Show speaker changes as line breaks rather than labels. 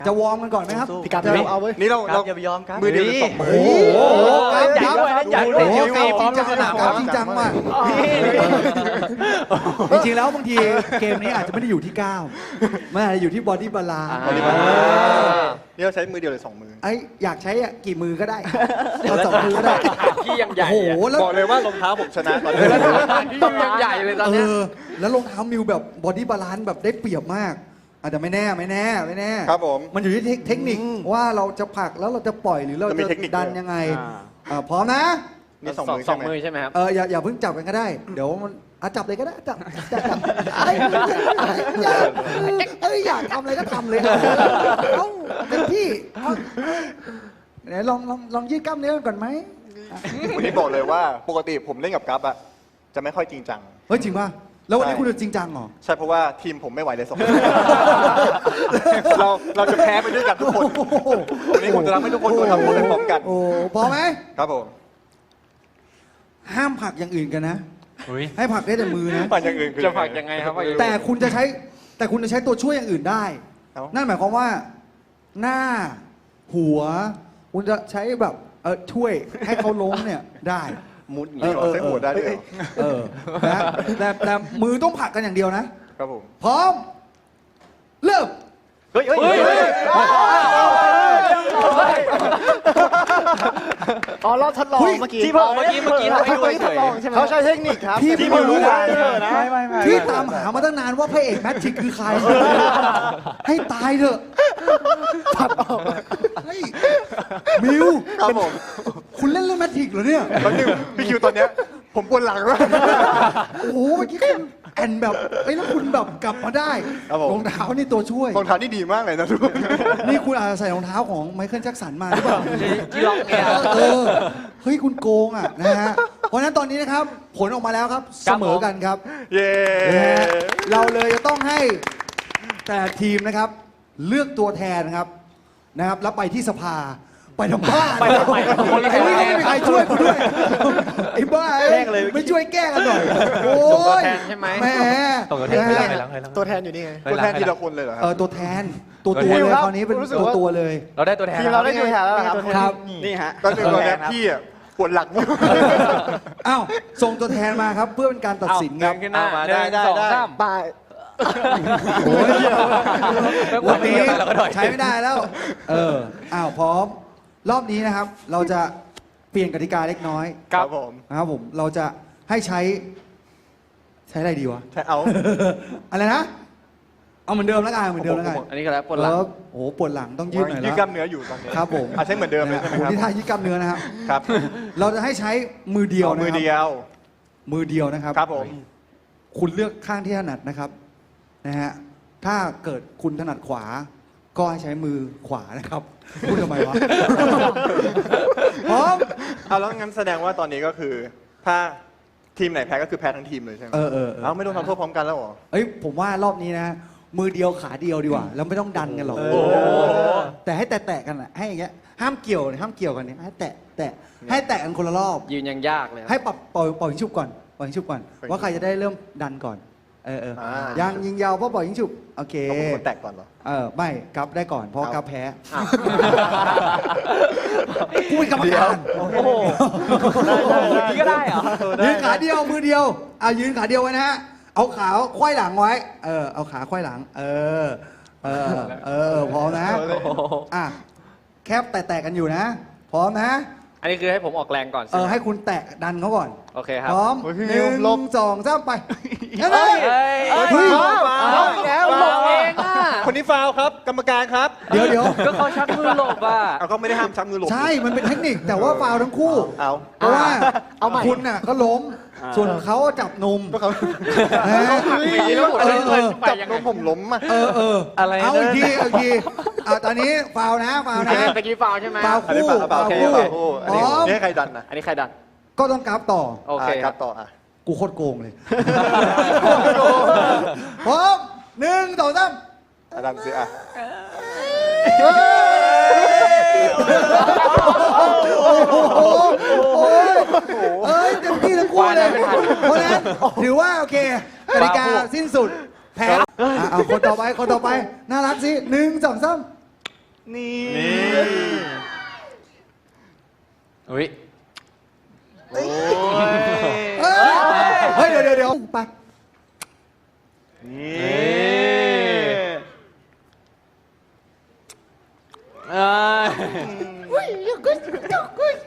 จะวอร์มกันก่อนไหมครับ
พี่การเอาเว้ย
นี่เรา
อย่าไปยอมครับ
มือเดียวหรือสองมือ
โอ้โหครับ
ใหญ่ด้วยนะใหญ่ด้วย
โอ้โห
เดี๋ยว
จริงจัง
สนาม
ครับจริงจังมากจริงๆแล้วบางทีเกมนี้อาจจะไม่ได้อยู่ที่ก้าวมันอาจจะอยู่ที่บอดี้บาลานซ์
นี่เราใช้มือเดียวหรือสองมือ
ไอ้อยากใช้กี่มือก็ได้เอา2 มือก็ได้
พี่ยังใหญ่
โอ้โหแล้ว
บอกเลยว่ารองเท้าผมชนะตอนนี้
พี่ยังใหญ่เลยตอนเนี้ย
แล้วรองเท้ามิวแบบบอดี้บาลานซ์แบบได้เปรียบมากอาจจะไม่แน่
ครับผม
มันอยู่ที่เทคนิคว่าเราจะผลักแล้วเราจะปล่อยหรือเรา
จะมี
จะ
เทคนิค
ดัน
ด้วย
ยังไงพร้อมนะ
นี่สองมือ
สอ
ใช่
ง
ไหม
มือใช่ไหมครับ
อย่าเพิ่งจับกันก็ได้ เดี๋ยวมันจับเลยก็ได้จับอยากทำอะไรก็ทำเลยเอาเต็มที่ไหนลองยืดกล้ามเนื้อก่อนไหม
วันนี้บอกเลยว่าปกติผมเล่นกับกัฟอะจะไม่ค่อยจริงจัง
เฮ้ยจริงป่ะแล้ววันนี้
ใช่
คุณจะจริงจังเหรอ
ใช่เพราะว่าทีมผมไม่ไหวเลยสองคนเราจะแพ้ไปด้วยกันทุกคนวันนี้ผมจะทำให้ทุกคนโดนทำโทษไปพร้อมกัน
โอ้พอไหม
ครับผม
ห้ามผลักอย่างอื่นกันนะ ให้ผลักได้แต่มือนะ
ปั่นอย่างอื่นคือ
จะฝากยังไงครับ
แต่คุณจะใช้ตัวช่วยอย่างอื่นได้ นั่นหมายความว่า หน้าหัว คุณจะใช้แบบช่วยให้เขาล้มเนี่ยได้
มุดอย่างนี้ใช้หัวได้ด้วยเหรอ
นะแต่มือต้องผลักกันอย่างเดียวนะ
ครับผม
พร้อม เริ่ม
เฮ้ย อ๋อเราทดลองเมื่อกี้
ที่บอกเมื่อกี้ทำให้ดูเฉย
เขาใช้เทคนิคครับ
ที่ไม่รู้
นะ
ที่ตามหามาตั้งนานว่าพระเอกแมทชิกคือใคร ให้ตายเถอะตัดออกเฮ้ยมิว
ครับผม
คุณเล่นเรื่องแมทชิกเหรอเนี่ย
ตอนนึงพี่คิวตอนเนี้ยผมปวดหลังแล้ว
โอ้โหเมื่อกี้คุณแอนแบบแล้วคุณแบบกลับมาได้
ครับผม
รองเท้านี่ตัวช่วย
รองเท้านี่ดีมากเลยนะทุกคน
นี่คุณอาจจะใส่รองเท้าของไมเคิลแจ็คสันมาหรือเปล่า
ๆที่ล็อกเนี่ย
เฮ้ยคุณโกงอ่ะนะฮะเพราะฉะนั้นตอนนี้นะครับผลออกมาแล้วครับเสมอกันครับ
เย้
นะฮะเราเลยจะต้องให้แต่ละทีมนะครับ เลือกตัวแทนนะครับแล้วไปที่สภาไปทำบ้า
ไปทำไมคนละ
ไอ้นี่ไม่มีใครช่วยกูด้วยไอ้บ้า
แกล้งเลย
ไม่ช่วยแก้กันหน่อยโอ้
ตัวย แทนใช่ไหม
แหม
ตัวแทนอยู่นี่ไง
ตัวแทนทีละคนเลยเหรอครั
ตัวแทนตัวเลยคราวนี้เป็นตัวเลย
เราได้ตัวแทน
ทีมเราได้ตัวแทนแล้วครับ
ครับ
นี่ฮะ
ตอนนึงตอนเนี้ยพี่อะปวดหลังอยู่
อ้าวส่งตัวแทนมาครับเพื่อเป็นการตัดสินครับ
ขึ้นหน้า
เอามา
หนึ่ง
ได้
สอง
ได้
สาม
บาย
โอ้ย วันนี้
เราก็หน่อย
ใช้ไม่ได้แล้ว อ้าวพร้อม รอบนี้นะครับ เราจะเปลี่ยนกติกาเล็กน้อย
ครับผม
นะครับผม เราจะให้ใช้อะไรดีวะ
ใช่เอา
อะไรนะ เอาเหมือนเดิมแล้วกันเหมือนเดิมแล้วกัน
อันนี้ก็แล้วปวดหลัง
โอ้โหปวดหลังต้องยืดหน่อย
ยืด
แล้ว
กล้ามเนื้ออยู่ตอนนี้
ครับผม
ใช้เหมือนเดิมเลยใช่ไหม
โอ้โห
ครับ
นี่ท่ายืดกล้ามเนื้อนะครับ
ครับ
เราจะให้ใช้มือเดียว
เอา
นะ
มือ
ครับ
เดียว
มือเดียวนะครับ
ครับผม
คุณเลือกข้างที่ถนัดนะครับนะฮะถ้าเกิดคุณถนัดขวา ก็ให้ใช้มือขวานะครับพูดทำไมวะ พร้อม
เอาแล้วงั้นแสดงว่าตอนนี้ก็คือ ถ้าทีมไหนแพ้ก็คือแพ้ทั้งทีมเลยใช่ไหม
เออ
เอาไม่ต้องทำโทษพร้อมกันแล้วเหรอ
เอ้ยผมว่ารอบนี้นะ มือเดียวขาเดียวดีกว่า แล้วไม่ต้องดันกันหรอก
โอ้โห
แต่ให้แตะๆกันอะให้อย่างเงี้ยห้ามเกี่ยวกันเนี่ยให้แตะให้แตะกันคนละรอบ
ยืนยังยากเลยครับ
ให้ปล่อยยิงฉุบก่อนปล่อยยิงฉุบก่อน ว่าใครจะได้เริ่มดันก่อนยังยิงยาวเพราะปล่อยยิงฉุบโอเค
ต้องเป็นคนแตกก่อนเหรอ
ไม่กับได้ก่อนเพราะ
เอา
กับแพ้
อ้าว
กูเป็นกรรมการ
โอ้โหนี่ก็ได้เหรอ
ยืนขาเดียวมือเดียวยืนขาเดียวไว้นะฮะเอาขาไขว้หลังไว้เอาขาไขว้หลังพร้อมนะแคบแตะกันอยู่นะพร้อมนะ
อันนี้คือให้ผมออกแรงก่อนใช่ไหม
ให้คุณแตะดันเขาก่อน
โอเคครับ
พร้อม
โอ้ยพี่
ห
มิว
นึ่ง
ลบ
สองสามไป
เฮ้ย
เฮ้ย
แล้วหลบเองอ่ะ
คนนี้ฟาวครับ กรรมการครับ
เดี๋ยว
ก็เขาชักมือหลบอ่ะ
เอาก็ไม่ได้ห้ามชักมือหลบ
ใช่มันเป็นเทคนิคแต่ว่าฟาวล์ทั้งคู่
เอา
เพราะว่า
เอาใหม่
คุณน่ะก็ล้ม ส่วนเขาจับนม
ก็เขา
นะฮะ
มีแล้วหมดเลยไป
จับ
ยัง
น
ไง
มผมล้มอ่ะ
อะไรนะ
เอาอีกทีตอนนี้ฟาวล์นะฟาวล์นะ
ตะกี้ฟาวใช่ไหม
ฟาวล์
อันนี้
คู่
เปล่า
ฟาวล์
แค่
คู่
เปล่าคู่อัน
พ
นี้
ร้อม
นี่ให้ใครดันนะ
อันนี้ใครดัน
ก็ต้องกราฟต่อ
โอเค
ครับต่ออ่ะ
กูโคตรโกงเลยพร้อมหนึ่งสองสาม
ดันสิอ่ะ
เต็มที่ทั้งคู่เลยเพราะฉะนั้นถือว่าโอเคกติกาสิ้นสุดแพ้เอาคนต่อไปน่ารักสิหนึ่งสองสาม
นี่
อุ้ย
โอ้ย
เฮ้ยเดี๋ยวไป
นี่
เอ้ย